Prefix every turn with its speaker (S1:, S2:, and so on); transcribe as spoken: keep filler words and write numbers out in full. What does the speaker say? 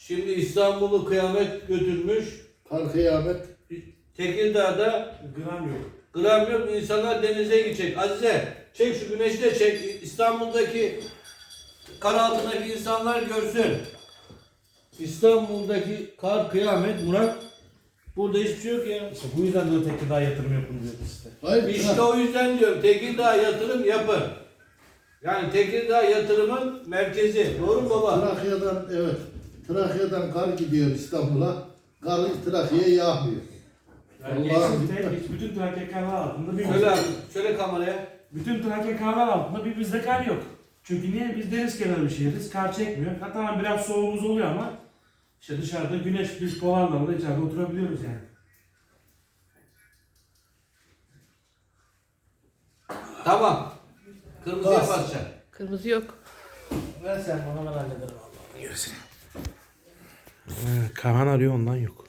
S1: Şimdi İstanbul'u kıyamet götürmüş.
S2: Kar kıyamet.
S1: Tekirdağ'da
S3: Gram yok.
S1: gram yok, insanlar denize gidecek. Azize çek şu güneşi de çek. İstanbul'daki kar altındaki insanlar görsün. İstanbul'daki kar kıyamet Murat. Burada hiçbir şey yok ya.
S3: İşte bu yüzden de Tekirdağ yatırım yapın diyoruz işte.
S2: Hayır,
S1: İşte o yüzden diyorum Tekirdağ yatırım yapın. Yani Tekirdağ yatırımın merkezi. Doğru mu baba?
S2: Trakya'dan evet. Trakya'dan kar gidiyor İstanbul'a. Kar Trakya'ya yağmıyor.
S3: Yani
S2: Allah'ım.
S3: geçsin tek, bütün Trakya karlar altında bir
S1: Şöyle, şöyle kameraya.
S3: bütün Trakya karlar altında bir bizde kar yok. Çünkü niye? Biz deniz kenarı bir şehiriz. Kar çekmiyor. Hatta biraz soğuğumuz oluyor ama işte dışarıda güneş biz polarlarla içeride oturabiliyoruz yani.
S1: Tamam. Kırmızıya
S2: Bas.
S1: basacaksın.
S4: Kırmızı yok.
S3: Ver sen bana, ben hallederim Allah'ını görürsün. Kaan arıyor, ondan yok.